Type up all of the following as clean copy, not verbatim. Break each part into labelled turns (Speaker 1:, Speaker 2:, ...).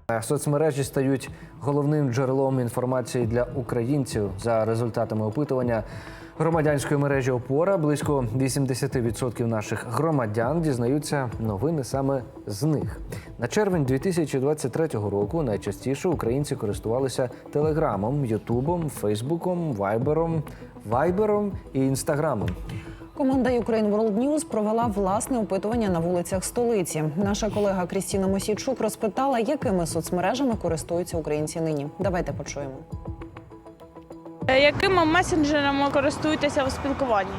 Speaker 1: Соцмережі стають головним джерелом інформації для українців. За результатами опитування громадянської мережі «Опора» близько 80% наших громадян дізнаються новини саме з них. На червень 2023 року найчастіше українці користувалися Телеграмом, Ютубом, Фейсбуком, Вайбером і Інстаграмом.
Speaker 2: Команда Ukraine World News провела власне опитування на вулицях столиці. Наша колега Крістіна Мосійчук розпитала, якими соцмережами користуються українці нині. Давайте почуємо.
Speaker 3: Якими месенджерами користуєтеся у спілкуванні?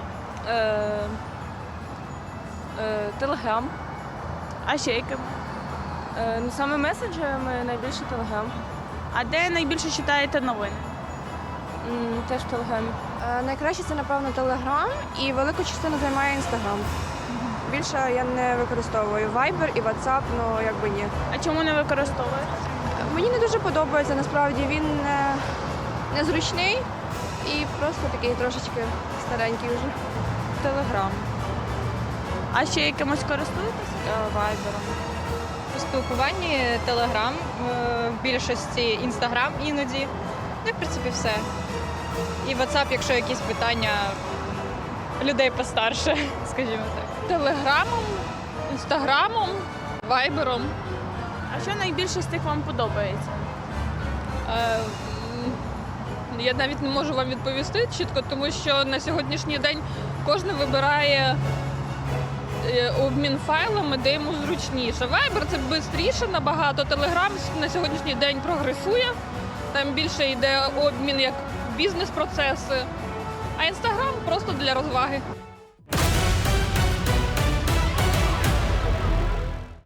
Speaker 4: Телеграм.
Speaker 3: А ще якими?
Speaker 4: Саме месенджерами найбільше Телеграм.
Speaker 3: А де найбільше читаєте новини?
Speaker 4: Теж в Телеграмі. Найкраще це, напевно, Телеграм і велику частину займає Інстаграм. Більше я не використовую Viber і WhatsApp, якби ні.
Speaker 3: А чому не використовуєте?
Speaker 4: Мені не дуже подобається, насправді він незручний і просто такий трошечки старенький вже. Телеграм.
Speaker 3: А ще якимось користуєтеся?
Speaker 4: Вайбером.
Speaker 5: У спілкуванні Телеграм, в більшості Інстаграм іноді. Ну, в принципі, все. І WhatsApp, якщо якісь питання людей постарше, скажімо так.
Speaker 6: Телеграмом, Інстаграмом, Вайбером.
Speaker 3: А що найбільше з тих вам подобається?
Speaker 6: Я навіть не можу вам відповісти чітко, тому що на сьогоднішній день кожен вибирає обмін файлами, де йому зручніше. Viber – це швидше набагато, Telegram на сьогоднішній день прогресує, там більше йде обмін як бізнес-процеси, а Instagram просто для розваги.